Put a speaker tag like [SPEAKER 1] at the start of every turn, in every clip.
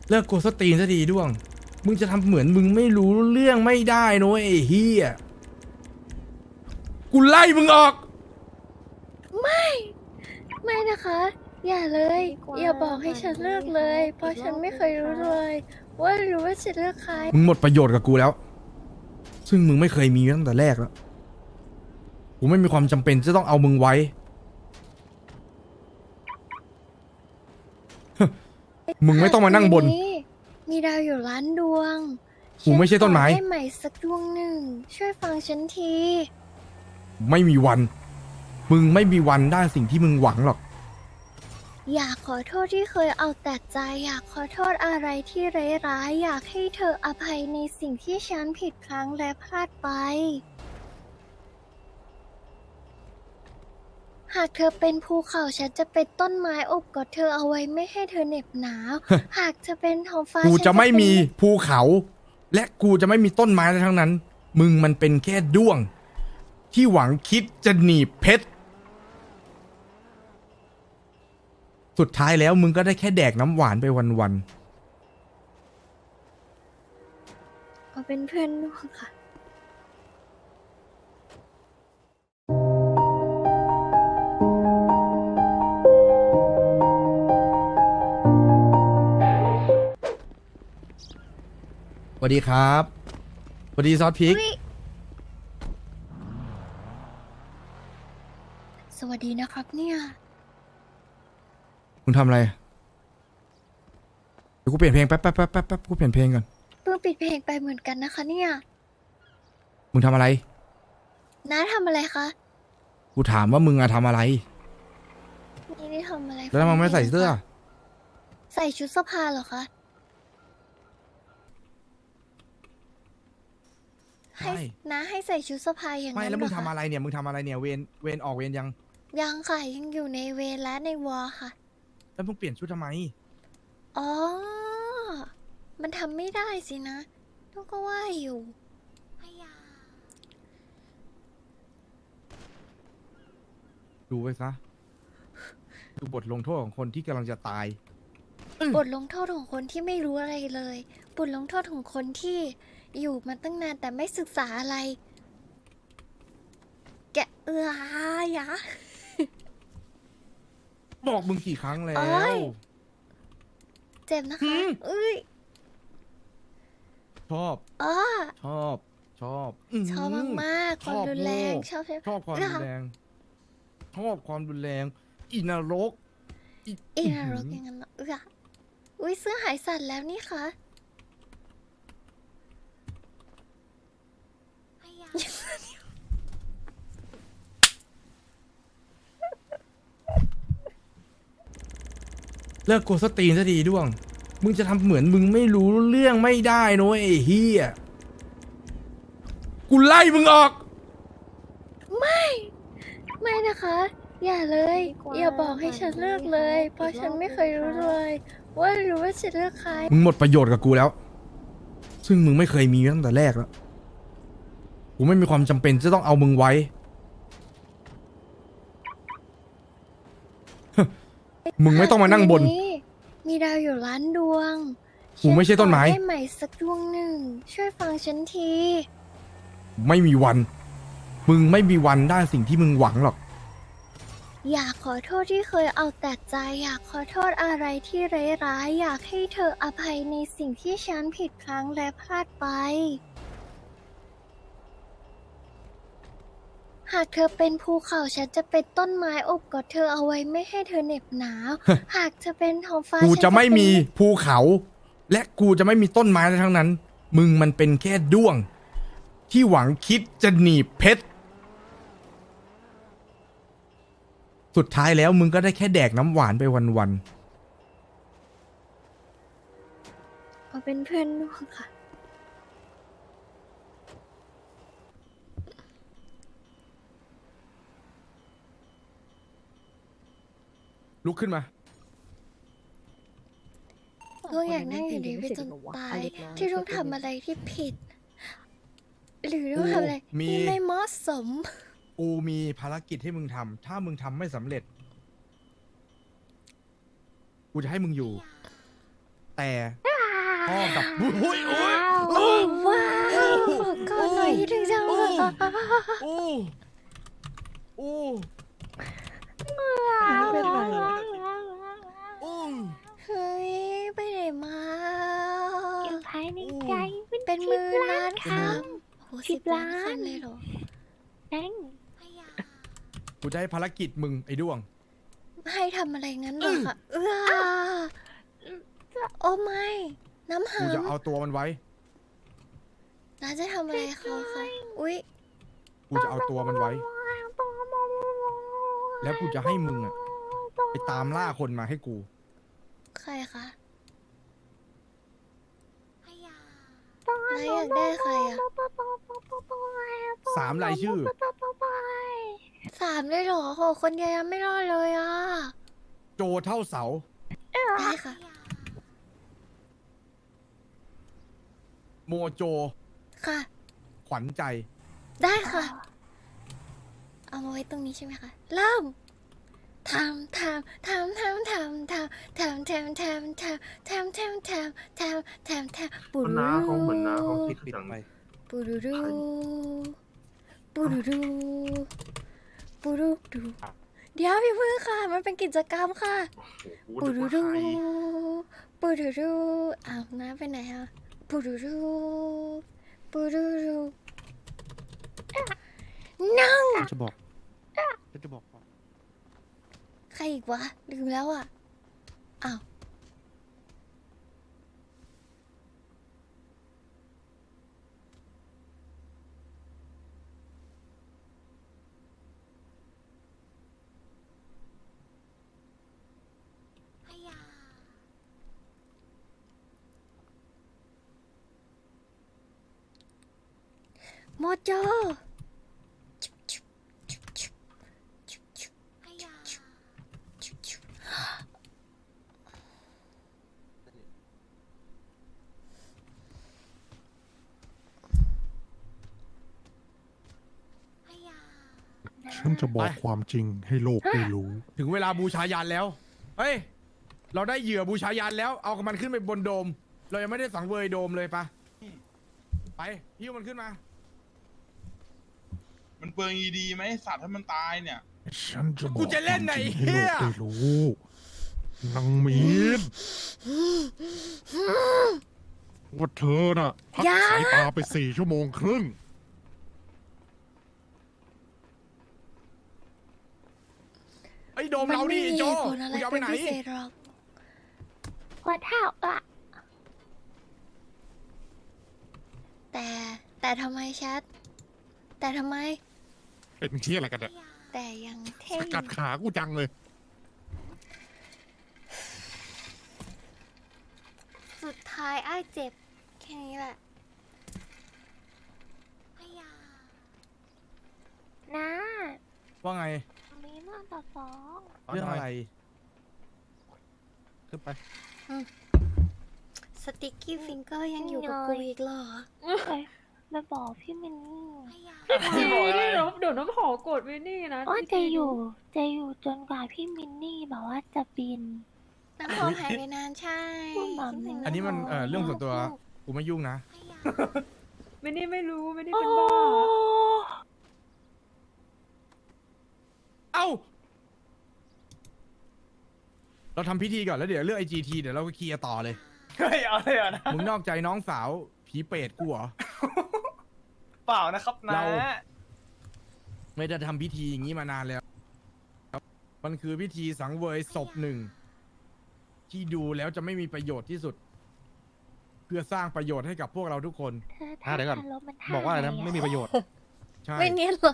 [SPEAKER 1] เลิกโกสตีนซะดีด้วงมึงจะทำเหมือนมึงไม่รู้เรื่องไม่ได้นะไอ้เฮียกูไล่มึงออก
[SPEAKER 2] ไม่นะคะ อย่าเลย อย่าบอกให้ฉันเลือกเลย เพราะฉันไม่เคยรู้เลยว่าฉันเลือกใคร
[SPEAKER 1] มึงหมดประโยชน์กับกูแล้วซึ่งมึงไม่เคยมีตั้งแต่แรกแล้วกูไม่มีความจำเป็นจะต้องเอามึงไว้ มึงไม่ต้องมานั่งบน
[SPEAKER 2] มีดาวอยู่ล้านดวง
[SPEAKER 1] กูไม่ใช่ต้นไม้
[SPEAKER 2] ฉัขอได้ใหม่สักดวงหนึ่ง ช่วยฟังฉันที
[SPEAKER 1] ไม่มีวันมึงไม่มีวันได้สิ่งที่มึงหวังหรอก
[SPEAKER 2] อยากขอโทษที่เคยเอาแต่ใจ อยากขอโทษอะไรที่ร้ายๆอยากให้เธออภัยในสิ่งที่ฉันผิดพลั้งและพลาดไป หากเธอเป็นภูเขาฉันจะเป็นต้นไม้อบกอดเธอเอาไว้ไม่ให้เธอเหน็บหนาว หากเธอเป็นท้องฟ้า
[SPEAKER 1] กู
[SPEAKER 2] ฉัน
[SPEAKER 1] จะไม่
[SPEAKER 2] เป็น
[SPEAKER 1] มีภูเขา และกูจะไม่มีต้นไม้อะไรทั้งนั้น มึงมันเป็นแค่ด้วง ที่หวังคิดจะหนีบเพชรสุดท้ายแล้วมึงก็ได้แค่แดกน้ำหวานไปวันๆ
[SPEAKER 2] เอาเป็นเพื่อนดวงค่ะ
[SPEAKER 1] สวัสดีครับสวัสดีซอสพริก
[SPEAKER 2] สวัสดีนะครับเนี่ย
[SPEAKER 1] มึงทำอะไรเดี๋ยวกูเปลี่ยนเพลงแป๊บกูเปลี่ยนเพลงก่อน
[SPEAKER 2] เพิ่งปิดเพลงไปเหมือนกันนะคะเนี่ย
[SPEAKER 1] มึงทำอะไร
[SPEAKER 2] น้าทำอะไรคะ
[SPEAKER 1] กูถามว่ามึงอะทำอะไร
[SPEAKER 2] ไม่ได้ทำอะไร
[SPEAKER 1] แล้วทำไมไม่ใส่เสื้อ
[SPEAKER 2] ใส่ชุดสภาเหรอคะ ให้
[SPEAKER 1] ไม่
[SPEAKER 2] น้าให้ใส่ชุดสภาอย่าง
[SPEAKER 1] ไม่
[SPEAKER 2] นั้น
[SPEAKER 1] แล้ว
[SPEAKER 2] เหร
[SPEAKER 1] มึง
[SPEAKER 2] อ
[SPEAKER 1] ทำ
[SPEAKER 2] คะ
[SPEAKER 1] อะไรเนี่ยมึงทำอะไรเนี่ยเวรออกเวรยัง
[SPEAKER 2] ยังค่ะยังอยู่ในเวรและในวอร์ค่ะ
[SPEAKER 1] แล้วมึงเปลี่ยนชุดทำไม
[SPEAKER 2] อ๋อ มันทำไม่ได้สินะลูกก็ว่าอยู่พยา
[SPEAKER 1] ดูไว้ซะดูบทลงโทษของคนที่กำลังจะตาย
[SPEAKER 2] บทลงโทษของคนที่ไม่รู้อะไรเลย บทลงโทษของคนที่อยู่มาตั้งนานแต่ไม่ศึกษาอะไร แกยะ
[SPEAKER 1] บอกมึงกี่ครั้งแล้
[SPEAKER 2] โอ๊
[SPEAKER 1] วย
[SPEAKER 2] เจ็บนะคะ
[SPEAKER 1] หืม
[SPEAKER 2] เอ้ย
[SPEAKER 1] ชอบ
[SPEAKER 2] อ๋อ
[SPEAKER 1] ชอบ ชอบ
[SPEAKER 2] ชอบมากๆความรุนแรงชอบใช่ไหม
[SPEAKER 1] ชอบความรุนแรง ชอบความรุนแรงอินรก
[SPEAKER 2] อีนรกอย่างนั้นเหรออุ้ยเสื้อหายสั่นแล้วนี่คะ
[SPEAKER 1] เลิกโกสตีนซะดีด้วงมึงจะทำเหมือนมึงไม่รู้เรื่องไม่ได้นะไอ้เฮียกูไล่มึงออก
[SPEAKER 2] ไม่นะคะ อย่าเลย อย่าบอกให้ฉันเลือกเลย เพราะฉันไม่เคยรู้เลยว่าฉันเลือกใคร
[SPEAKER 1] มึงหมดประโยชน์กับกูแล้ว ซึ่งมึงไม่เคยมีตั้งแต่แรกแล้วกูไม่มีความจำเป็นจะต้องเอามึงไว้ มึงไม่ต้องมานั่งบน
[SPEAKER 2] มีดาวอยู่ล้านดวง
[SPEAKER 1] กูไม่ใช่ต้นไม้
[SPEAKER 2] ฉัขอได้ใหม่สักดวงหนึ่ง ช่วยฟังฉันที
[SPEAKER 1] ไม่มีวัน มึงไม่มีวันได้สิ่งที่มึงหวังหรอก
[SPEAKER 2] อยากขอโทษที่เคยเอาแต่ใจ อยากขอโทษอะไรที่ร้ายๆอยากให้เธออภัยในสิ่งที่ฉันผิดพลั้งและพลาดไป หากเธอเป็นภูเขาฉันจะเป็นต้นไม้อบกอดเธอเอาไว้ไม่ให้เธอเหน็บหนาว หากเธอเป็นท้องฟ้า
[SPEAKER 1] กู
[SPEAKER 2] ฉัน
[SPEAKER 1] จะไม่
[SPEAKER 2] เป็น
[SPEAKER 1] มีภูเขา และกูจะไม่มีต้นไม้อะไรทั้งนั้น มึงมันเป็นแค่ด้วง ที่หวังคิดจะหนีบเพชรสุดท้ายแล้วมึงก็ได้แค่แดกน้ำหวานไปวัน
[SPEAKER 2] เอาเป็นเพื่อนดวงค่ะ
[SPEAKER 1] ๆลุกขึ้นมา
[SPEAKER 2] ลูกอยากนั่งอยู่ดีไปจนตาย ที่ลูกทำอะไรที่ผิด หรือลูกทำอะไร
[SPEAKER 1] มี
[SPEAKER 2] ที่ไม่เหมาะสม
[SPEAKER 1] กูมีภารกิจให้มึงทำ ถ้ามึงทำไม่สำเร็จ กูจะให้มึงอยู่ แต่พ่อกับอุ้ย
[SPEAKER 2] ว้าวขอก่อนหน่อยถึงจะ
[SPEAKER 1] โอ้โอ้
[SPEAKER 3] ไม่เป็นไรหรอก
[SPEAKER 1] โอ้
[SPEAKER 2] เฮ้ยไปไหนมา
[SPEAKER 3] อยู่ภายในใจ
[SPEAKER 2] เป็นหมื่นล้านครั้งโอ้
[SPEAKER 3] 10 ล้าน
[SPEAKER 2] ครั้งเลยเหรอ
[SPEAKER 3] นั่ง
[SPEAKER 1] กูจะให้ภารกิจมึงไอ้ด้วง
[SPEAKER 2] ให้ทำอะไรงั้นเหรอคะโอ้ไม่ น้ำหา
[SPEAKER 1] กู
[SPEAKER 2] ม
[SPEAKER 1] จะเอาตัวมันไว้
[SPEAKER 2] น้าจะทำอะไรเขาคะอุ๊ย
[SPEAKER 1] กูจะเอาตัวมันไว้ แล้วกูจะให้มึงอะไปตามล่าคนมาให้กู
[SPEAKER 2] ใครคะนายอยากได้ใครอ่ะ
[SPEAKER 1] 3 รายชื่อ
[SPEAKER 2] 3เลยเหรอโหคนเดียวยังไม่รอดเลยอ่ะ
[SPEAKER 1] โจเท่าเสา
[SPEAKER 2] ได้ค่ะ
[SPEAKER 1] โมโจ
[SPEAKER 2] ค่ะ
[SPEAKER 1] ขวัญใจ
[SPEAKER 2] ได้ค่ะ เอามาไว้ตรงนี้ใช่ไหมคะ เริ่มทำปูรู
[SPEAKER 4] น้าเขาเหมือนน้าเขาคิด
[SPEAKER 5] ปิด
[SPEAKER 4] จัง
[SPEAKER 5] ไป
[SPEAKER 2] ปูรูรูปูรูรูปูรูรูเดี๋ยวพี่พึ่งค่ะ มันเป็นกิจกรรมค่ะ
[SPEAKER 4] โอ้
[SPEAKER 2] ปู
[SPEAKER 4] โห
[SPEAKER 2] รู
[SPEAKER 4] นึก
[SPEAKER 2] รู
[SPEAKER 4] ว่าใคร
[SPEAKER 2] ปูรูรูอ้าวน้าไปไหนอะปูรูรูปูรูรูนั่ง
[SPEAKER 5] จะบอกจะบอกก่อน
[SPEAKER 2] ใครอีกวะ ลืมแล้วอ่ะ อ้าว โมโจ
[SPEAKER 6] ฉันจะบอก
[SPEAKER 1] ไป
[SPEAKER 6] ความจริงให้โลกได้รู้
[SPEAKER 1] ถึงเวลาบูชายันแล้ว เฮ้ย เราได้เหยื่อบูชายันแล้ว เอามันขึ้นไปบนโดม เรายังไม่ได้สังเวยโดมเลยปะไปหิ้วมันขึ้นมา
[SPEAKER 7] มันเปลืองอีดีไหมสัตว์ให้มันตายเนี่ย
[SPEAKER 6] ฉันจะบอก
[SPEAKER 1] กูจะเล่นไหน
[SPEAKER 6] ความจริงให้โลก
[SPEAKER 1] เหี้ย
[SPEAKER 6] ได้รู้นางมีนว่าเธอน่ะ พัก
[SPEAKER 2] อย่า
[SPEAKER 6] สายตาไป4 ชั่วโมงครึ่ง
[SPEAKER 1] ไอ้โดมเราดิไอ้โจ
[SPEAKER 2] มัน
[SPEAKER 1] มึงจะเอาไปไหน
[SPEAKER 2] ม่มีเหตุผลอะไรเป็นพิเศษหรอก
[SPEAKER 3] ว่าเท่าอ่ะ
[SPEAKER 2] แต่ทำไมแชท แต่ทำไม
[SPEAKER 6] เป็นเชี่ยอะไรกันเนี่ย
[SPEAKER 2] แต่ยังเท่
[SPEAKER 6] สกัดขากูจังเลย
[SPEAKER 2] สุดท้ายไอ้ายเจ็บ แค่นี้แหละ
[SPEAKER 3] น้า
[SPEAKER 1] ว่าไง
[SPEAKER 3] มีเรื่องต่อฟ้อง
[SPEAKER 1] เรื่องอะไร
[SPEAKER 5] ขึ้นไป
[SPEAKER 2] สติ๊กกี้ฟิงเกอร์ยังอยู่กับกูอีกเหรอ
[SPEAKER 3] ไปบอกพี่มินนี่
[SPEAKER 8] เดี๋ยวน้ำหอมกดไว้นี่นะ
[SPEAKER 3] ว่าจะอยู่จนกว่าพี่มินนี่แบบว่าจะบิน
[SPEAKER 2] น้ำหอมหายไปนานใช่
[SPEAKER 3] พูดแบบนี้
[SPEAKER 1] อันนี้มันเรื่องส่วนตัว กูไม่ยุ่งนะ
[SPEAKER 8] ไม่นี่ไม่รู้ไม่นี่เป็นบ้า
[SPEAKER 1] เอ้า เราทำพิธีก่อนแล้วเดี๋ยวเรื่อง IGT เดี๋ยวเราก็เคลียร์ต่อเลย
[SPEAKER 5] เฮ้ยเอาเลยเหรอนะ
[SPEAKER 1] มึงนอกใจน้องสาวผีเปรตกูเหรอ
[SPEAKER 5] เปล่านะครับนะ
[SPEAKER 1] เรา ไม่ได้ทำพิธีอย่างนี้มานานแล้ว มันคือพิธีสังเวยศพหนึ่ง ที่ดูแล้วจะไม่มีประโยชน์ที่สุด เพื่อสร้างประโยชน์ให้กับพวกเราทุกคน
[SPEAKER 3] เธอท่า
[SPEAKER 5] เดี๋ยวก่อน
[SPEAKER 3] ทารมันท่
[SPEAKER 5] บอกว่าอะไรนะ ไม่มีประโยชน์
[SPEAKER 1] ใช่
[SPEAKER 2] ไม่เนียนเหรอ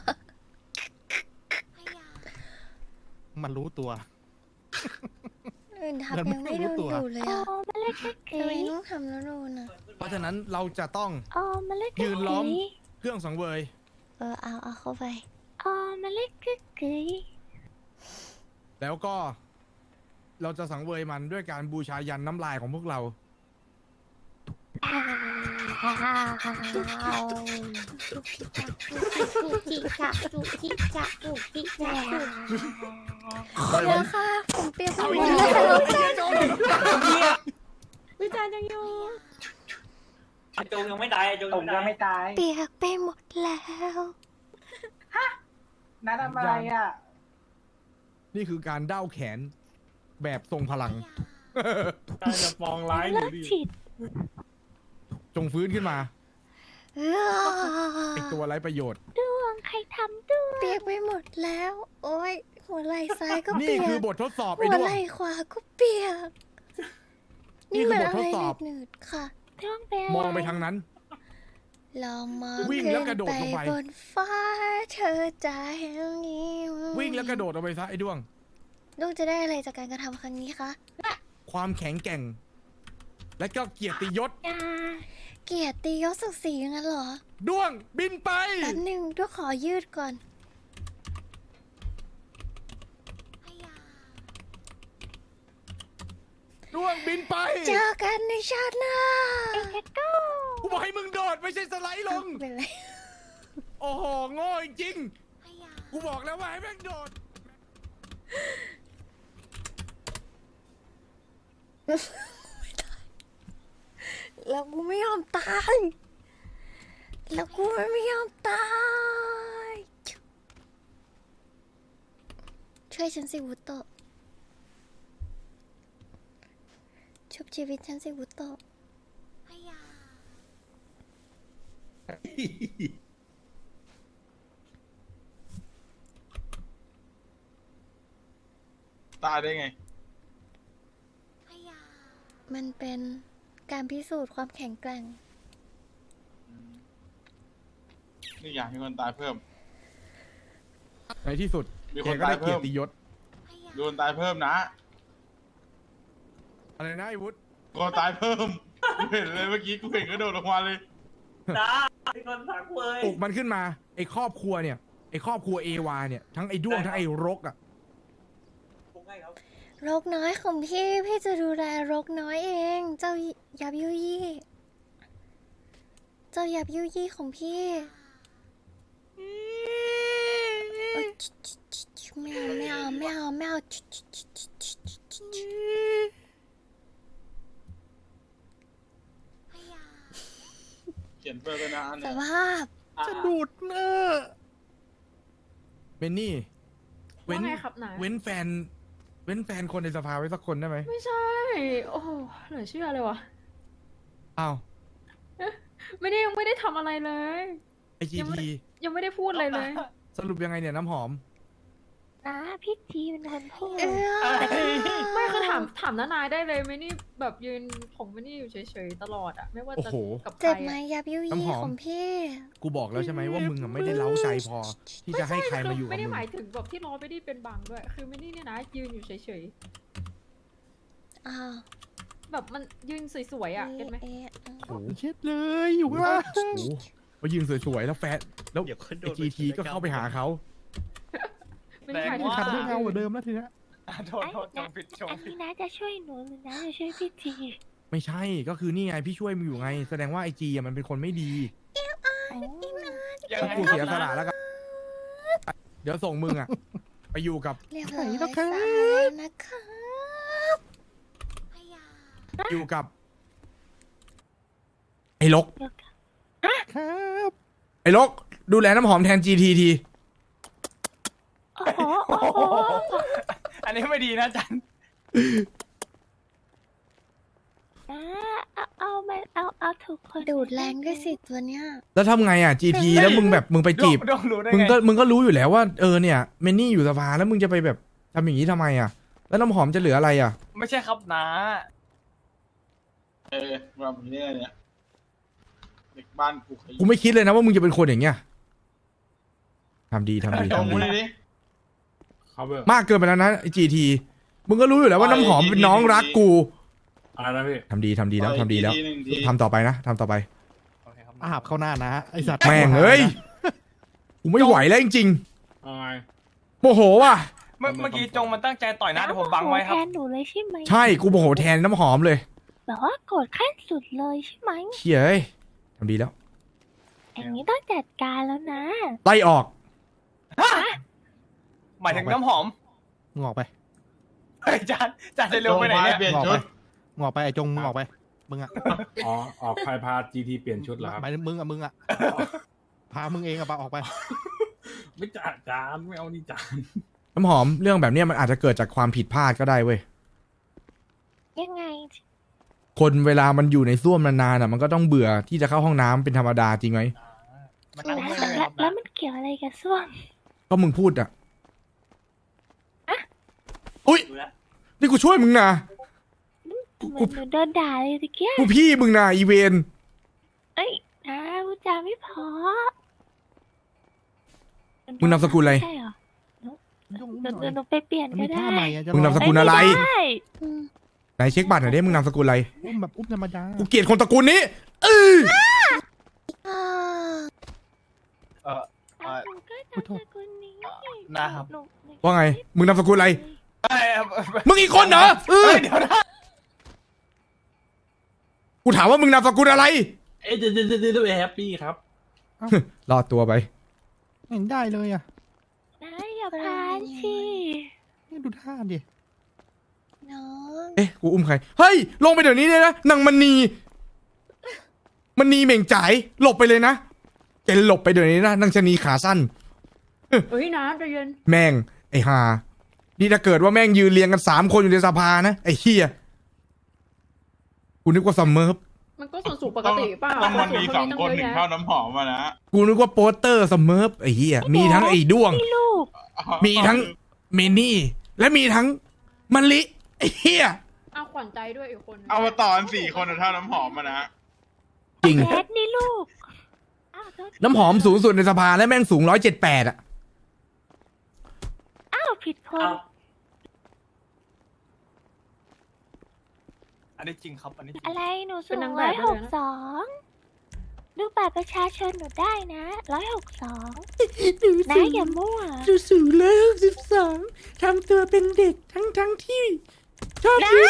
[SPEAKER 5] มันรู้ตัว
[SPEAKER 2] อื่นทำยังไม่โดนดูเลย
[SPEAKER 3] โอ้
[SPEAKER 2] อะ
[SPEAKER 3] มาเล่นกิ๊ก
[SPEAKER 2] ทำไมต้องทำแล้วโดนอะ
[SPEAKER 1] เพราะฉะนั้นเราจะต้อง
[SPEAKER 3] โอ้มาเล่นกิ๊ก
[SPEAKER 1] ยืนล้อม เครื่องสังเวย
[SPEAKER 2] เอาเข้าไป
[SPEAKER 3] โอ้มาเล่นกิ๊ก
[SPEAKER 1] แล้วก็ เราจะสังเวยมันด้วยการบูชายันน้ำลายของพวกเรา
[SPEAKER 2] เดี๋ยวค่ะ ผมเปลี่ยนไปหมด
[SPEAKER 1] เอาอีก
[SPEAKER 2] แล้ว
[SPEAKER 1] แล้ว
[SPEAKER 8] พี่แจ๊ารย์ยังอยู่
[SPEAKER 5] จงยังไม่ตายจงยังไม่ตาย
[SPEAKER 2] เปียกไปหมดแล้ว
[SPEAKER 5] น้าทำอะไรอ่ะ
[SPEAKER 1] นี่คือการเด้าแขนแบบทรงพลัง
[SPEAKER 6] การจะปองร้ายห
[SPEAKER 3] เลิ
[SPEAKER 6] นู
[SPEAKER 3] ก
[SPEAKER 6] ดิ
[SPEAKER 3] ฉีด
[SPEAKER 1] จงฟื้นขึ้นมา
[SPEAKER 2] เอ
[SPEAKER 1] ไอตัวไร้ประโยชน์
[SPEAKER 3] ดวงใครทำด้วย
[SPEAKER 2] เปียกไปหมดแล้ว โอ้ยหัวไหล่ซ้ายก็
[SPEAKER 1] นี่
[SPEAKER 2] เปีย
[SPEAKER 1] คือก บททดสอบไอ้
[SPEAKER 2] หัว
[SPEAKER 1] ด้ว
[SPEAKER 2] ไห
[SPEAKER 1] ง
[SPEAKER 2] ล่ขวาก็เปียก
[SPEAKER 1] นี่
[SPEAKER 2] นี่
[SPEAKER 1] คือ
[SPEAKER 2] มัน
[SPEAKER 1] บท
[SPEAKER 2] อะ
[SPEAKER 1] ท
[SPEAKER 2] ไร
[SPEAKER 1] ดสอบ
[SPEAKER 2] หนืดๆค่ะ
[SPEAKER 3] ดวงเป็น
[SPEAKER 1] มอง
[SPEAKER 3] อะไร
[SPEAKER 1] ไปทางนั้น
[SPEAKER 2] ลองมอง
[SPEAKER 1] วิ่งแล้วกระโดดลงไป
[SPEAKER 2] ขึ้นบนฟ้าเธอจะเห็นนี้
[SPEAKER 1] วิ่งแล้วกระโดดออกไปซะไอ้ด้วง
[SPEAKER 2] ลูกจะได้อะไรจากการกระทำครั้งนี้คะ
[SPEAKER 1] ความแข็งแกร่ง และก็เกียรติยศ
[SPEAKER 3] อย่า
[SPEAKER 2] เกียรติยศศักดิ์ศรีงั้นเหรอ
[SPEAKER 1] ด้วงบินไป
[SPEAKER 2] แป๊บหนึ่งด้วยขอยืดก่อน
[SPEAKER 1] ด้วงบินไป
[SPEAKER 2] เจอกันในชาติหน้า
[SPEAKER 3] แคทโก้
[SPEAKER 1] กูบอกให้มึงโดดไม่ใช่สไลด์ลง
[SPEAKER 2] เป็นไร
[SPEAKER 1] โอ้โหโง่จริงๆกูบอกแล้วว่าให้แม่งโดด
[SPEAKER 2] แล้วกูไม่ยอมตาย แล้วกูไม่ยอมตาย ช่วยฉันสิวุโตะชุบชีวิตฉันสิวุโตะ
[SPEAKER 7] ตายได้ไง
[SPEAKER 2] มันเป็นการพิสูจน์ความแข็งแกร่ง
[SPEAKER 7] นี่อยากให้คนตายเพิ่ม
[SPEAKER 1] ในที่สุด
[SPEAKER 7] มี
[SPEAKER 1] แก
[SPEAKER 7] คน
[SPEAKER 1] ก็ได้
[SPEAKER 7] ตายเพิ่
[SPEAKER 1] เกีย
[SPEAKER 7] ม
[SPEAKER 1] รติยศ
[SPEAKER 7] โดนตายเพิ่มนะ
[SPEAKER 1] อะไรนะไอ้วุฒิ
[SPEAKER 7] คนตายเพิ่ม กูเห็นเลยเมื่อกี้กูเห็นกระโดดลงมาเลย
[SPEAKER 1] ปลุกมันขึ้นมา ไอ้ครอบครัวเนี่ย ไอ้ครอบครัวเอวาเนี่ย ทั้งไอ้ด้วงทั้งไอ้รกอ่ะ
[SPEAKER 2] รกน้อยของพี่ พี่จะดูแลรกน้อยเอง เจ้ายับยุยี่ เจ้ายับยุยี่ของพี่เอ้ยไม่เอา
[SPEAKER 7] เขียนเพิ่มด้วยนะอัน
[SPEAKER 2] ส
[SPEAKER 7] เนี่ย
[SPEAKER 2] ภาพ
[SPEAKER 1] จะดูดเนอะเบนนี่ เว้
[SPEAKER 8] ว่าน ไงครับนาย
[SPEAKER 1] เว้นแฟน เว้นแฟนคนในสภาไว้สักคนได้ไหม
[SPEAKER 8] ไม่ใช่ โอ้โหเหลือเชื่อเลยวะ
[SPEAKER 1] อ้าว
[SPEAKER 8] ยังไม่ได้ทำอะไรเลย
[SPEAKER 1] ไอจี
[SPEAKER 8] ยังไม่
[SPEAKER 1] ที
[SPEAKER 8] ยังไม่ได้พูดอะไรเลย
[SPEAKER 1] สรุปยังไงเนี่ยน้ำหอม
[SPEAKER 3] นะพี่ทีเป็นคนพูด
[SPEAKER 8] ไม่คือถามน้านายได้เลยไม่นี่แบบยืนผมไม่นี่อยู่เฉยๆตลอดอะไม่ว่าจะ
[SPEAKER 1] โอ้โห
[SPEAKER 8] กับใคร
[SPEAKER 2] เจ็บไหม
[SPEAKER 8] อะ
[SPEAKER 2] ยับยุ
[SPEAKER 1] น้ำ
[SPEAKER 2] ยี่
[SPEAKER 1] หอม
[SPEAKER 2] ของพี่
[SPEAKER 1] กูบอกแล้วใช่ไหมว่ามึงอะไม่ได้เล้าใจพอ ที่จะให้ใครมาอยู่กับ
[SPEAKER 8] ไม่ได้
[SPEAKER 1] มึง
[SPEAKER 8] หมายถึงแบบที่ล้อไม่ได้เป็นบังด้วย คือไม่นี่เนี่ยนะยืนอยู่เฉย
[SPEAKER 2] อ้าว
[SPEAKER 8] ๆแบบมันยืนสวยๆอะเห็นไหม
[SPEAKER 2] เอ๊ะ
[SPEAKER 1] โอ้โห
[SPEAKER 6] เช็ดเลยอยู่ข้างล่าง
[SPEAKER 1] โอ้โหมายืนสวยๆแล้วแฟนแล้วไอจีทีก็เข้าไปหาเขา
[SPEAKER 8] ไม่ได้หมายถึง
[SPEAKER 6] ทำให้เงากว่าเดิมแล้วทีเนี้ย
[SPEAKER 5] โทษโทษจงผิดจง
[SPEAKER 3] อัน
[SPEAKER 5] ผิด
[SPEAKER 3] นี้นะจะช่วยหนูหรือนะจะช่วยพี่ที
[SPEAKER 1] ไม่ใช่ก็คือนี่ไงพี่ช่วยมึงอยู่ไง แสดงว่าไอจีมันเป็นคนไม่ดี
[SPEAKER 5] ยัง
[SPEAKER 1] ถ้า
[SPEAKER 5] ไง
[SPEAKER 1] กูเสียสละแล้วกันเดี๋ยวส่งมึงอะไปอยู่กับ
[SPEAKER 2] เรียบร้อยสายนะคะ
[SPEAKER 1] อยู่กับ ไอ้ลก
[SPEAKER 6] ครับ
[SPEAKER 1] ไอ้ลก ดูแลน้ำหอมแทนจีทีที
[SPEAKER 3] โอ้โหโอ้โห
[SPEAKER 5] อันนี้ไม่ดีนะจัน
[SPEAKER 3] นะเอาถูกคน
[SPEAKER 2] ดูดแรงด้วยสิตัวเนี้ย
[SPEAKER 1] แล้วทำไงอะจีทีแล้วมึงแบบมึงไปจีบ
[SPEAKER 5] ดงรู้ได้
[SPEAKER 1] มึง
[SPEAKER 5] ไง
[SPEAKER 1] ก็มึงก็รู้อยู่แล้วว่าเนี่ยเมนนี่อยู่สภาแล้วมึงจะไปแบบทำอย่างนี้ทำไมอะแล้วน้ำหอมจะเหลืออะไรอะ
[SPEAKER 5] ไม่ใช่ครับนะ
[SPEAKER 7] มาแบบนี้เนี่ยเด็กบ้านกูขยี้
[SPEAKER 1] กูไม่คิดเลยนะว่ามึงจะเป็นคนอย่างเงี้ยทำดีทำดี
[SPEAKER 7] จง
[SPEAKER 1] ทำ
[SPEAKER 7] มื
[SPEAKER 1] ดี
[SPEAKER 7] อดิครับเบอร์
[SPEAKER 1] มากเกินไปแล้วนะไอจีทีมึงก็รู้อยู่แล้วว่าน้ำหอมเป็นน้องรักกู
[SPEAKER 7] อะไรนะพี่
[SPEAKER 1] ทำดีแล้วทำดีแล้ว
[SPEAKER 7] ทีหนึ่งที
[SPEAKER 1] ทำต่อไปนะทำต่อไป
[SPEAKER 5] โอเคครับ
[SPEAKER 6] อาบเข้าหน้านะไอสัตว์
[SPEAKER 1] แม่งเอ้ยกูไม่ไหวแล้วจริง
[SPEAKER 7] อะไร
[SPEAKER 1] ๆโมโหว่ะ
[SPEAKER 5] เมื่อกี้จงมันตั้งใจต่อยหน้าแต่ผมบังไว้ครับ
[SPEAKER 3] แทนหนูเลยใช่ไหม
[SPEAKER 1] ใช่กูโมโหแทนน้ำหอมเลย
[SPEAKER 3] แบบว่าโกรธขั้นสุดเลยใช่ไหม
[SPEAKER 1] เชี่ยเอ้ยทำดีแล้ว
[SPEAKER 3] อย่างนี้ต้องจัดการแล้วนะ
[SPEAKER 1] ไล่ออก
[SPEAKER 5] หมายถึงน้ำหอม
[SPEAKER 6] งอกไป
[SPEAKER 5] เฮ้ยจันจะเร็วไปไหนเนี่ย
[SPEAKER 7] เปลี่ยน
[SPEAKER 6] งอก
[SPEAKER 7] ชุ
[SPEAKER 6] ไป
[SPEAKER 7] ด
[SPEAKER 6] งอกไปไอจงมึงออกไป มึมึงอะ
[SPEAKER 4] อ๋อออกใครพา GT เปลี่ยนชุดเหรอครับ
[SPEAKER 6] หมายถึงมึงอะพามึงเองอะปะออกไป
[SPEAKER 4] ไม่จ่าจานไม่เอานี่จาน
[SPEAKER 1] น้ำหอมเรื่องแบบเนี้ยมันอาจจะเกิดจากความผิดพลาดก็ได้เว้ย
[SPEAKER 3] ยังไง
[SPEAKER 1] คนเวลามันอยู่ในส้วมนานๆอ่ะมันก็ต้องเบื่อที่จะเข้าห้องน้ำเป็นธรรมดาจริงไหม
[SPEAKER 7] มันนั่ง
[SPEAKER 3] แล้ว
[SPEAKER 7] ไม่ได้
[SPEAKER 3] แล้วมันเกี่ยวอะไรกับส้วม
[SPEAKER 1] ก็มึงพูดอ่ะอุ้ย
[SPEAKER 5] ดูแล้ว
[SPEAKER 1] นี่กูช่วยมึงนะ
[SPEAKER 3] เหมือนหนูโดนด่าเลยตะเกีย
[SPEAKER 1] กูพี่มึงนะอีเวน
[SPEAKER 3] เอ้ยนะพูดจาไม่พอ
[SPEAKER 1] มึงนามสกุลอะไร
[SPEAKER 3] ใช่เหรอหนูไปเปลี่ยน
[SPEAKER 6] มัน
[SPEAKER 3] ก็
[SPEAKER 6] มี
[SPEAKER 3] ได้
[SPEAKER 6] ท่าใหม่อะจะ
[SPEAKER 1] มึงนามสกุลอะไร
[SPEAKER 3] ไม่ได้
[SPEAKER 2] อืม
[SPEAKER 1] ไหนเช็คบัตรหน่อยดิมึงนามสกุลอะไร
[SPEAKER 6] อุ้มแบบอุ้มธรรมดา
[SPEAKER 1] กูเกลียดคนตระกูลนี้เออ
[SPEAKER 2] อ่า
[SPEAKER 3] หนูก็นามสกุลนี้
[SPEAKER 7] นะครับ
[SPEAKER 3] หนู
[SPEAKER 1] ว่าไง มึงนามสกุลอะไร
[SPEAKER 7] ไอ้ครับ
[SPEAKER 1] มึงอีกคนเหรอเออ
[SPEAKER 7] เดี๋ยวนะ
[SPEAKER 1] กูถามว่ามึงนามสกุลอะไร
[SPEAKER 4] เอ๊ะเดี๋ยวแฮปปี้ครับ
[SPEAKER 1] รอดตัวไป
[SPEAKER 6] เห็นได้เลยอะ
[SPEAKER 3] นะอย่าพานสิ
[SPEAKER 6] นี่ดูท่าดิ
[SPEAKER 2] น้อง
[SPEAKER 1] เอ๊ะ กูอุ้มใคร เฮ้ย ลงไปเดี๋ยวนี้เลยนะนางมณีเหม่งจ่ายหลบไปเลยนะแกหลบไปเดี๋ยวนี้นะนางชะนีขาสั้น
[SPEAKER 8] เฮ้ยนะใจเย็น
[SPEAKER 1] แม่ง ไอ้ห่านี่ถ้าเกิดว่าแม่งยืนเรียงกัน3 คนอยู่ในสภานะ ไอ้เฮียกูนึกว่าซัมเมอร์
[SPEAKER 8] มันก็ส่วนสูงปกติเปล่า
[SPEAKER 7] ต้องมันมี
[SPEAKER 8] ค
[SPEAKER 7] ส
[SPEAKER 8] สู
[SPEAKER 7] อง
[SPEAKER 8] ตั้
[SPEAKER 7] คน
[SPEAKER 8] เยะ
[SPEAKER 7] ถึง
[SPEAKER 8] แยะ
[SPEAKER 7] เข้าน้ำหอมมานะ
[SPEAKER 1] กูนึกว่าโปสเตอร์ซัมเมอร์ไอ้เฮียมีทั้งไอ้ด้วง
[SPEAKER 3] พี่ลูก
[SPEAKER 1] มีทั้งเมนี่ และมีทั้งมะลิ ไอ้เฮีย
[SPEAKER 8] เอาขวัญใจด้วยอีกคน
[SPEAKER 7] เอาตอน4 คนเท่าน้ำหอมมานะ
[SPEAKER 1] จริง
[SPEAKER 3] แดดนี่ลูกอ้าวโทษ
[SPEAKER 1] น้ำหอมสูงสุดในสภาและแม่งสูง178อ่ะ
[SPEAKER 3] อ้าวผิดคน
[SPEAKER 5] เอา
[SPEAKER 7] อันนี้จริงครับ อันนี้จริง
[SPEAKER 3] อะไรหนูสู
[SPEAKER 8] เป็น
[SPEAKER 3] ง
[SPEAKER 8] นางแบ
[SPEAKER 3] ร้อบ ย
[SPEAKER 8] ได้
[SPEAKER 3] ห
[SPEAKER 8] เลย
[SPEAKER 3] ก
[SPEAKER 8] นะ
[SPEAKER 3] สองดูบัตรประชาชนหนูได้นะ162นะอย่ามั่ว
[SPEAKER 1] สูง162ทำตัวเป็นเด็กทั้งที่ชอบยืน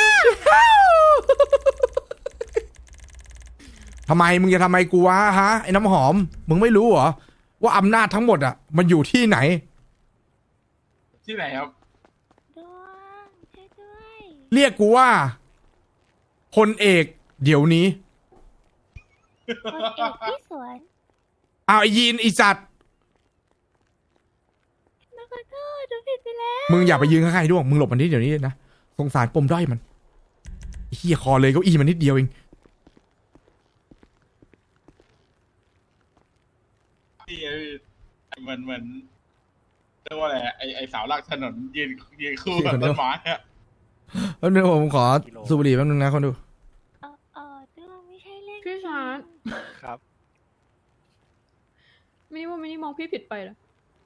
[SPEAKER 1] ทำไมมึงจะทำไมกูวะฮะไอ้น้ำหอม มึงไม่รู้เหรอว่าอำนาจทั้งหมดอ่ะมันอยู่ที่ไหน
[SPEAKER 7] ที่ไหนครับ
[SPEAKER 3] ดวงช่วยด้วย
[SPEAKER 1] เรียกกูว่าพลเอกเดี๋ยวนี้
[SPEAKER 3] คนเอกที่สวน
[SPEAKER 1] เอาไอ้ยีนไอ้สัตว์
[SPEAKER 3] หนูขอโทษหนูผิดไปแล้ว
[SPEAKER 1] มึงอย่าไปยืนข้างๆไอ้ด้วงมึงหลบมันนิดเดี๋ยวนี้นะสงสารปมด้อยมันไอ้เหี้ยคอเลยเก้าอี้มันนิดเดียวเอง
[SPEAKER 7] ที่เหมือนเรียกว่าอะไรไอ้เสาหลักถนนยืนคู่กับต้นไม้อะ
[SPEAKER 1] แป๊บนึงผมขอสูบบุหรี่แป๊บนึงนะคนดู
[SPEAKER 3] ดวงไม่ใช่เรื่อง
[SPEAKER 8] พี่ชาร์ต
[SPEAKER 7] ครับ
[SPEAKER 8] มินิมินิมองพี่ผิดไปเหรอ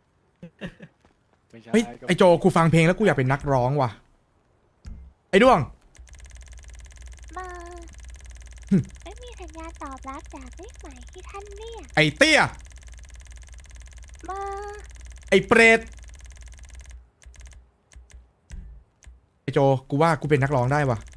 [SPEAKER 1] เฮ้ยไอโจกูฟังเพลงแล้วกูอยากเป็นนักร้องว่ะไอ้ด้วง
[SPEAKER 3] มาไม่มีสัญญาณตอบรับจากเลขหมายที่ท่านเรียก
[SPEAKER 1] ไอ้เตี้ย
[SPEAKER 3] มา
[SPEAKER 1] ไอ้เปรตไอ้โจกูว่ากูเป็นนักร้องได้ว่ะ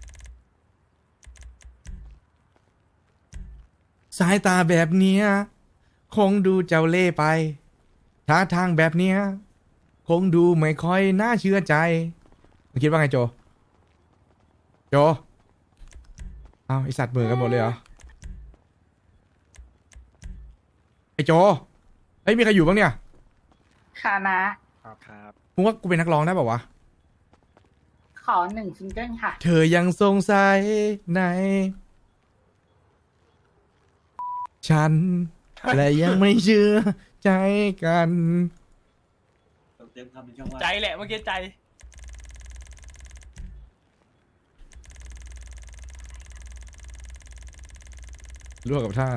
[SPEAKER 1] สายตาแบบเนี้ยคงดูเจ้าเล่ห์ไปท่าทางแบบเนี้ยคงดูไม่ค่อยน่าเชื่อใจมึงคิดว่าไงโจเอาไอสัตว์เหมือนกันหมดเลยเหรอไอโจเฮ้ยมีใครอยู่บ้างเนี่ย
[SPEAKER 9] ค่ะนะครับ
[SPEAKER 1] มึงว่ากูเป็นนักร้องได้ป่าวะ
[SPEAKER 9] ขอ1 ซิงเกิลค่ะ
[SPEAKER 1] เธอยังสงสัยในฉัน และยังไม่เชื่อใจกัน
[SPEAKER 5] เต็มคำเป็นช่องว่า
[SPEAKER 7] ใจแหละเมื่อกี้ใจ
[SPEAKER 1] ร่วมกับท่า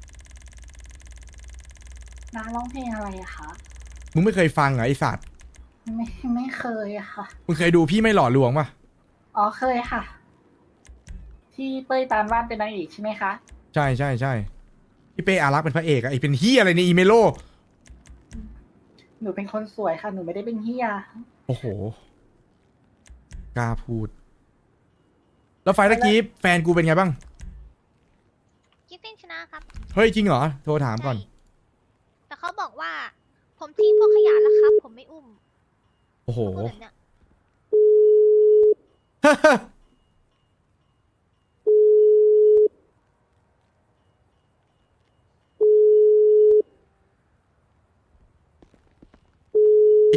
[SPEAKER 9] น้าร้องเพลงอะไรอะคะ
[SPEAKER 1] มึงไม่เคยฟังเหรอไอสัตว์
[SPEAKER 9] ไม่เคยอะค่ะ
[SPEAKER 1] มึงเคยดูพี่ไม่หล่อลวงป่ะ
[SPEAKER 9] อ๋อเคยค่ะ ที่เป้ยตาลวาดเป็นนางเอกใช่ไหมคะ
[SPEAKER 1] ใช่พี่เป้อารักษ์เป็นพระเอกอะไอเป็นเฮียอะไรในอีเมโล
[SPEAKER 9] หนูเป็นคนสวยค่ะ หนูไม่ได้เป็นเฮีย
[SPEAKER 1] โอ้โหกล้าพูด แล้วไฟล์ตะกี้แฟนกูเป็นไงบ้าง
[SPEAKER 2] คิดเป็นชนะครับ
[SPEAKER 1] เฮ้ยจริงเหรอโทรถามก่อน
[SPEAKER 2] ใช่แต่เขาบอกว่า ผมทิ้งพวกขยะแล้วครับ ผมไม่อุ้ม
[SPEAKER 1] โอ้โห
[SPEAKER 2] พูดแบบเนี้ย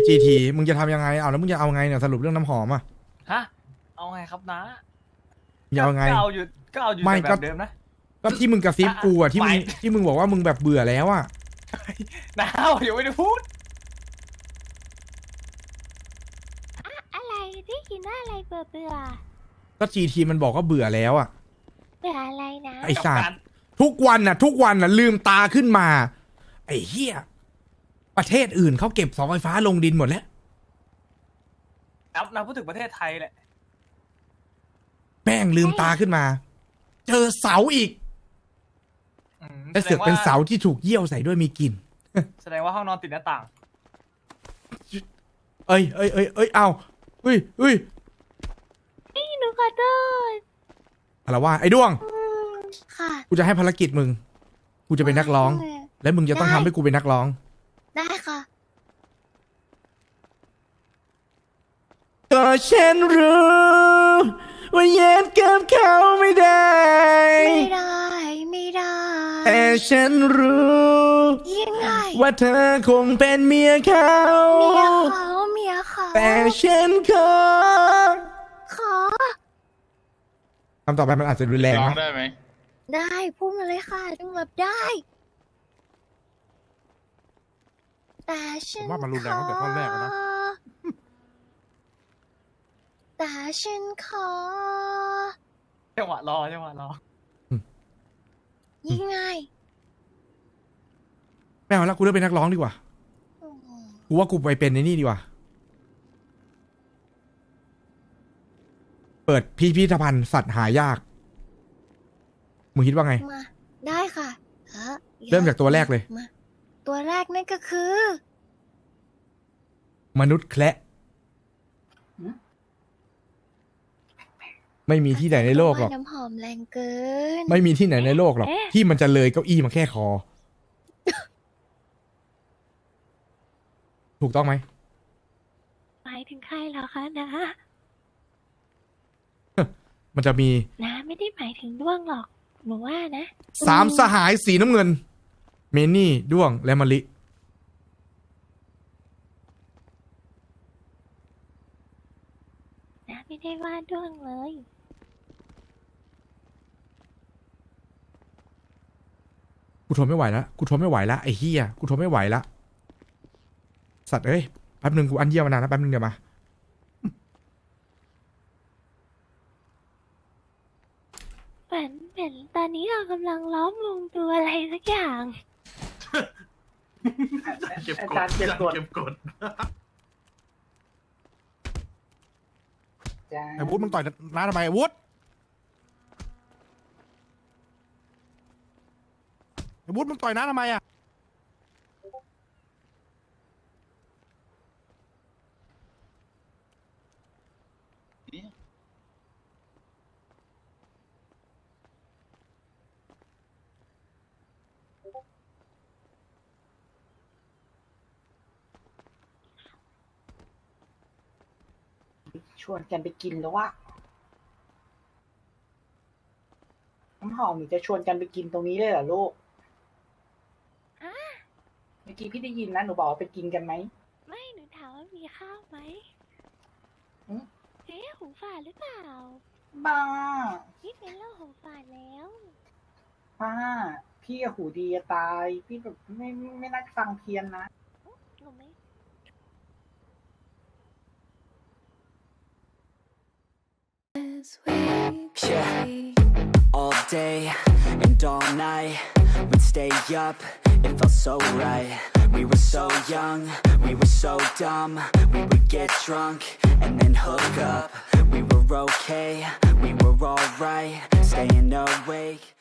[SPEAKER 1] GT มึงจะทำยังไงเอาแล้วมึงจะเอาไงเนี่ยสรุปเรื่องน้ำหอมอ่ะ
[SPEAKER 5] ฮะเอาไงครับนะ
[SPEAKER 1] จะเอาไง
[SPEAKER 5] ก็เอาอยู่
[SPEAKER 1] ไม่
[SPEAKER 5] แบบเดิมนะ
[SPEAKER 1] ก็ที่มึงกระซิบกูอ่ะที่มึง
[SPEAKER 5] ไม่
[SPEAKER 1] ที่มึงบอกว่ามึงแบบเบื่อแล้วอ่ะ
[SPEAKER 5] น้าอย่าไม่ได้พูด
[SPEAKER 3] อะไรที่กินว่าอะไรเบื่อเบื่อ
[SPEAKER 1] ก็ GT มันบอกว่าเบื่อแล้วอ่ะ
[SPEAKER 3] เบื่ออะไรนะ
[SPEAKER 1] ไอ้สัตว์ทุกวันน่ะลืมตาขึ้นมา ไอ้เหี้ยประเทศอื่นเขาเก็บเสาไฟฟ้าลงดินหมดแล้ว
[SPEAKER 5] น้าพูดถึงประเทศไทยแหละ
[SPEAKER 1] แม่งลืมตาขึ้นมา เจอเสาอีกและเสือกเป็นเสาที่ถูกเยี่ยวใส่ด้วยมีกลิ่น
[SPEAKER 5] แสดงว่าห้องนอนติดหน้าต่าง
[SPEAKER 1] เอ้ยเอาเฮ้ย
[SPEAKER 3] นี่หนูขอโทษ
[SPEAKER 1] อะไรวะไอ้ด้วง
[SPEAKER 2] ค่ะ
[SPEAKER 1] กูจะให้ภารกิจมึง กูจะเป็นนักร้อง และมึงจะต้องทำให้กูเป็นนักร้อง
[SPEAKER 2] ได้ค่ะ
[SPEAKER 1] ก็ฉันรู้ว่าเย็นกับเขาไม่ได้
[SPEAKER 2] ไม่ได้
[SPEAKER 1] แต่ฉันรู้
[SPEAKER 2] ยังไง
[SPEAKER 1] ว่าเธอคงเป็นเมียเขา
[SPEAKER 2] เมียเขา
[SPEAKER 1] แต่ฉันขอ
[SPEAKER 2] ขอ
[SPEAKER 1] คำต่อไปมันอาจจะรุนแรง
[SPEAKER 7] ร้อง
[SPEAKER 1] นะ
[SPEAKER 7] ได้ไหม
[SPEAKER 2] ได้พูดมาเลยค่ะจังรับได้ แต่ฉัน
[SPEAKER 6] ผมว่ามันรุนแรงตั้งแต่ท่อนแรกแล้วนะ
[SPEAKER 2] แต่ฉันขอ
[SPEAKER 5] จังหวะรอ
[SPEAKER 2] ยังไง
[SPEAKER 1] ไม่เอาละกูเลือกเป็นนักร้องดีกว่า กูว่ากูไปเป็นในนี่ดีกว่า เปิดพิพิธภัณฑ์สัตว์หายาก มึงคิดว่าไง
[SPEAKER 2] มา ได้ค่ะ
[SPEAKER 1] เริ่มจากตัวแรกเลย
[SPEAKER 2] มาตัวแรกนั่นก็คือ
[SPEAKER 1] มนุษย์แคระไม่มีที่ไหนในโลกหรอก
[SPEAKER 2] น้ำหอมแรงเกิน
[SPEAKER 1] ไม่มีที่ไหนในโลกหรอก ที่มันจะเลยเก้าอี้มาแค่คอ ถูกต้องไหม
[SPEAKER 3] หมายถึงใครเหรอคะนะ
[SPEAKER 1] มันจะมี
[SPEAKER 3] นะไม่ได้หมายถึงด้วงหรอกหนูว่านะ
[SPEAKER 1] สามสหายสีน้ำเงิน เมนี่ด้วงและมะลิ
[SPEAKER 3] นะไม่ได้ว่าด้วงเลย
[SPEAKER 1] กูทนไม่ไหวแล้วไอ้เฮียกูทนไม่ไหวแล้วสัตว์เอ้ยแป๊บนึงกูอันเยี่ยวมานานแล้วแป๊บนึงเดี๋ยวมา
[SPEAKER 3] เหมือนตอนนี้เรากำลังล้อมวงดูอะไรสักอย่าง
[SPEAKER 9] อาจารย์เก็บกด
[SPEAKER 6] ไอ้วุฒิมึงต่อยน้าทำไมไอ้วุฒิมึงต่อยน้าทำไมอ่ะ
[SPEAKER 9] ชวนกันไปกินแล้ววะน้ำหอมหนูจะชวนกันไปกินตรงนี้เลยเหรอลูก เมื่อกี้พี่ได้ยินนะหนูบอกว่าไปกินกันไหม
[SPEAKER 3] ไม่หนูถามว่ามีข้าวไหม
[SPEAKER 9] อืม
[SPEAKER 3] เอ๊ะหูฝาดหรือเปล่า
[SPEAKER 9] บ้า
[SPEAKER 3] นี่เป็นโรคหูฝาดแล้ว
[SPEAKER 9] ป้าพี่อะหูดีจะตาย พี่แบบไม่น่าฟังเพี้ยนนะ
[SPEAKER 3] หนูไม่
[SPEAKER 10] Yeah, all day and all night, we'd stay up, it felt so right. We were so young, we were so dumb, we would get drunk and then hook up. We were okay, we were alright, staying awake.